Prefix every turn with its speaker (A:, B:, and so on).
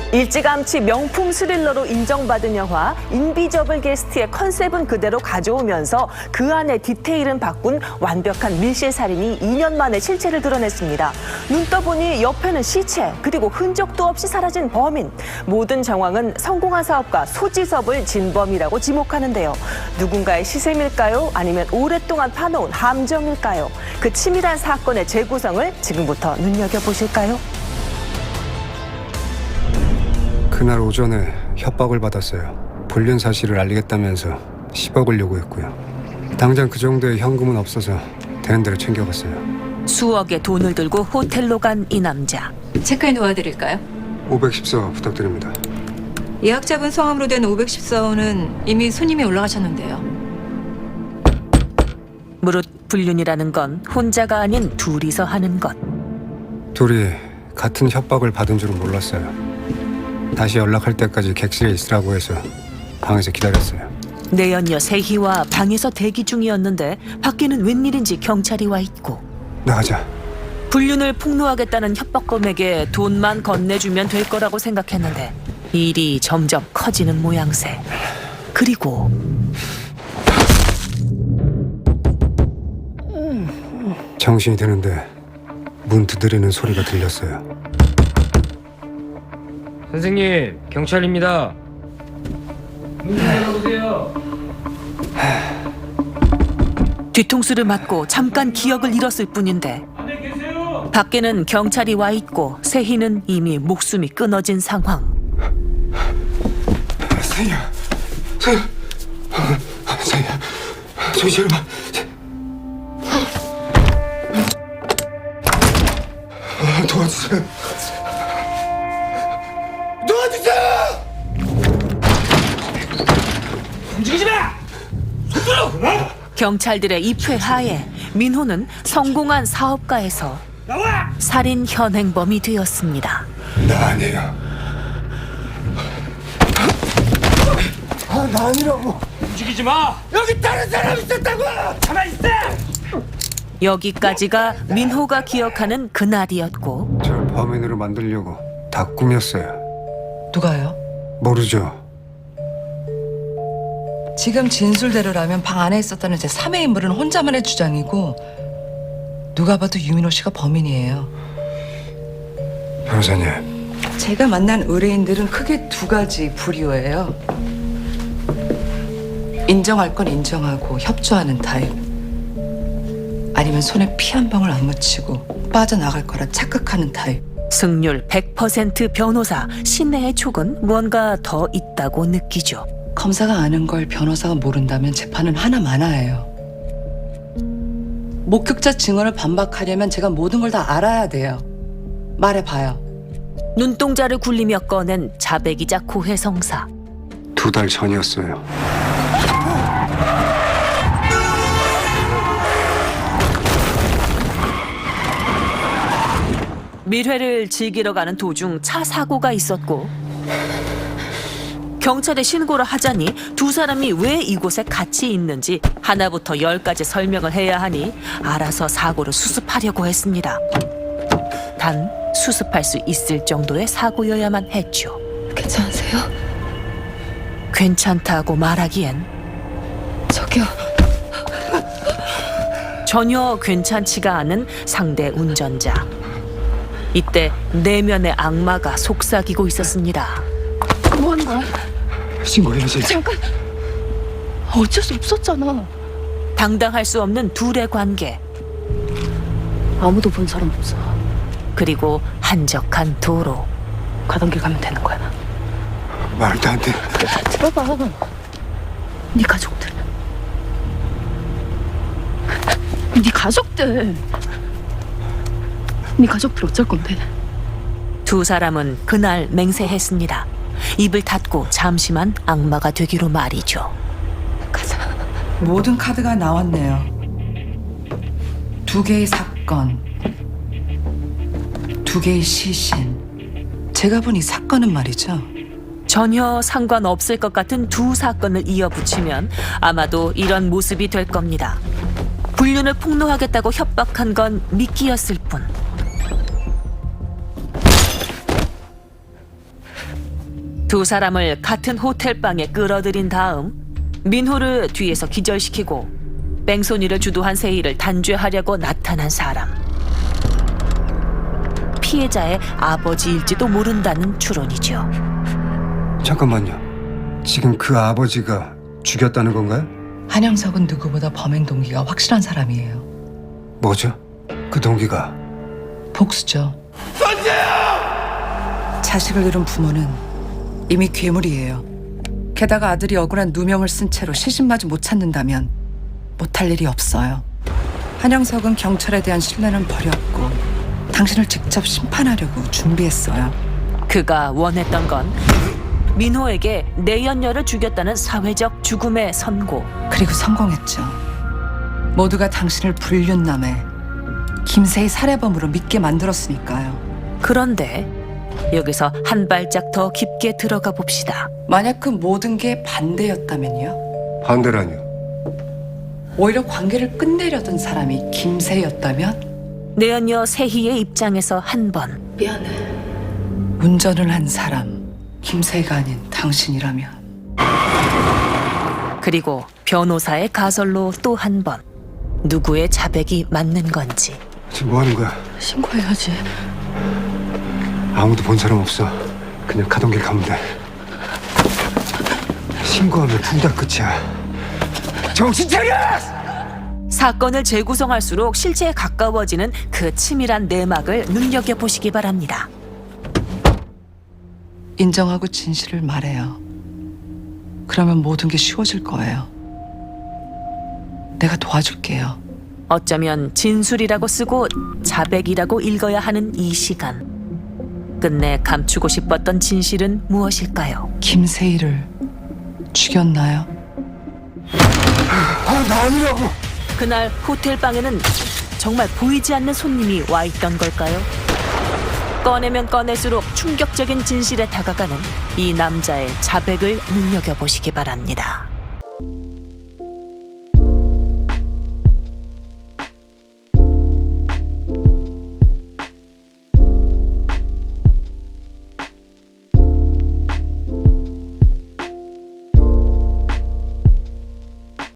A: 일찌감치 명품 스릴러로 인정받은 영화 인비저블 게스트의 컨셉은 그대로 가져오면서 그 안에 디테일은 바꾼 완벽한 밀실살인이 2년 만에 실체를 드러냈습니다. 눈 떠보니 옆에는 시체, 그리고 흔적도 없이 사라진 범인. 모든 정황은 성공한 사업가 소지섭을 진범이라고 지목하는데요. 누군가의 시샘일까요? 아니면 오랫동안 파놓은 함정일까요? 그 치밀한 사건의 재구성을 지금부터 눈여겨보실까요?
B: 그날 오전에 협박을 받았어요. 불륜 사실을 알리겠다면서 10억을 요구했고요. 당장 그 정도의 현금은 없어서 되는 대로 챙겨갔어요.
A: 수억의 돈을 들고 호텔로 간 이 남자.
C: 체크인 도와드릴까요?
B: 514 부탁드립니다.
C: 예약잡은 성함으로 된 514호는 이미 손님이 올라가셨는데요.
A: 무릇 불륜이라는 건 혼자가 아닌 둘이서 하는 것.
B: 둘이 같은 협박을 받은 줄은 몰랐어요. 다시 연락할 때까지 객실에 있으라고 해서 방에서 기다렸어요.
A: 내연녀 세희와 방에서 대기 중이었는데 밖에는 웬일인지 경찰이 와 있고,
B: 나가자.
A: 불륜을 폭로하겠다는 협박범에게 돈만 건네주면 될 거라고 생각했는데 일이 점점 커지는 모양새. 그리고
B: 정신이 드는데 문 두드리는 소리가 들렸어요.
D: 선생님, 경찰입니다. 문 열어보세요.
A: 뒤통수를 맞고 잠깐 기억을 잃었을 뿐인데
D: 안에 계세요.
A: 밖에는 경찰이 와 있고 세희는 이미 목숨이 끊어진 상황.
B: 세희야, 세희야, 정신을 봐. 도와주세요.
D: 움직이지 마!
A: 경찰들의 입회 하에 민호는 성공한 사업가에서
D: 나와!
A: 살인 현행범이 되었습니다.
B: 나 아니에요. 나 아니라고.
D: 움직이지 마! 여기 다른 사람 있었다고! 가만히 있어!
A: 여기까지가 민호가 기억하는 그날이었고,
B: 절 범인으로 만들려고 다 꾸몄어요.
E: 누가요?
B: 모르죠.
E: 지금 진술대로라면 방 안에 있었다는 제 3의 인물은 혼자만의 주장이고 누가 봐도 유민호 씨가 범인이에요.
B: 변호사님,
E: 제가 만난 의뢰인들은 크게 두 가지 부류예요. 인정할 건 인정하고 협조하는 타입. 아니면 손에 피 한 방울 안 묻히고 빠져나갈 거라 착각하는 타입.
A: 승률 100% 변호사 신내의 촉은 무언가 더 있다고 느끼죠.
E: 검사가 아는 걸 변호사가 모른다면 재판은 하나마나예요. 목격자 증언을 반박하려면 제가 모든 걸 다 알아야 돼요. 말해봐요.
A: 눈동자를 굴리며 꺼낸 자백이자 고해성사.
B: 2달 전이었어요.
A: 밀회를 즐기러 가는 도중 차 사고가 있었고, 경찰에 신고를 하자니 두 사람이 왜 이곳에 같이 있는지 하나부터 10까지 설명을 해야 하니 알아서 사고를 수습하려고 했습니다. 단 수습할 수 있을 정도의 사고여야만 했죠.
C: 괜찮으세요?
A: 괜찮다고 말하기엔
C: 저기요.
A: 전혀 괜찮지가 않은 상대 운전자. 이때 내면의 악마가 속삭이고 있었습니다.
F: 뭐 하는 거야?
B: 신고해야지.
F: 잠깐. 어쩔 수 없었잖아.
A: 당당할 수 없는 둘의 관계,
F: 아무도 본 사람 없어.
A: 그리고 한적한 도로.
F: 가던 길 가면 되는 거야.
B: 말도 안 돼.
F: 들어봐. 네 가족들. 네 가족들. 네 가족들 어쩔 건데?
A: 두 사람은 그날 맹세했습니다. 입을 닫고 잠시만 악마가 되기로 말이죠.
F: 가자.
E: 모든 카드가 나왔네요. 2개의 사건, 2개의 시신. 제가 본 이 사건은 말이죠.
A: 전혀 상관없을 것 같은 두 사건을 이어붙이면 아마도 이런 모습이 될 겁니다. 불륜을 폭로하겠다고 협박한 건 미끼였을 뿐. 두 사람을 같은 호텔방에 끌어들인 다음 민호를 뒤에서 기절시키고 뺑소니를 주도한 세희를 단죄하려고 나타난 사람. 피해자의 아버지일지도 모른다는 추론이죠.
B: 잠깐만요. 지금 그 아버지가 죽였다는 건가요?
E: 한영석은 누구보다 범행 동기가 확실한 사람이에요.
B: 뭐죠? 그 동기가.
E: 복수죠. 자식을 잃은 부모는 이미 괴물이에요. 게다가 아들이 억울한 누명을 쓴 채로 시신마저 못 찾는다면 못할 일이 없어요. 한영석은 경찰에 대한 신뢰는 버렸고 당신을 직접 심판하려고 준비했어요.
A: 그가 원했던 건 민호에게 내연녀를 죽였다는 사회적 죽음의 선고.
E: 그리고 성공했죠. 모두가 당신을 불륜남에 김세희 살해범으로 믿게 만들었으니까요.
A: 그런데 여기서 한 발짝 더 깊게 들어가 봅시다.
E: 만약 그 모든 게 반대였다면요?
B: 반대라니요.
E: 오히려 관계를 끝내려던 사람이 김세희였다면?
A: 내연녀 세희의 입장에서 한 번,
F: 미안해.
E: 운전을 한 사람 김세희가 아닌 당신이라면
A: 그리고 변호사의 가설로 또 한 번, 누구의 자백이 맞는 건지.
B: 지금 뭐 하는 거야?
F: 신고해야지.
B: 아무도 본 사람 없어. 그냥 가던 길 가면 돼. 신고하면 둘 다 끝이야. 정신 차려!
A: 사건을 재구성할수록 실체에 가까워지는 그 치밀한 내막을 눈여겨보시기 바랍니다.
E: 인정하고 진실을 말해요. 그러면 모든 게 쉬워질 거예요. 내가 도와줄게요.
A: 어쩌면 진술이라고 쓰고 자백이라고 읽어야 하는 이 시간. 끝내 감추고 싶었던 진실은 무엇일까요?
E: 김세희를 죽였나요?
B: 나 아니라고!
A: 그날 호텔방에는 정말 보이지 않는 손님이 와 있던 걸까요? 꺼내면 꺼낼수록 충격적인 진실에 다가가는 이 남자의 자백을 눈여겨보시기 바랍니다.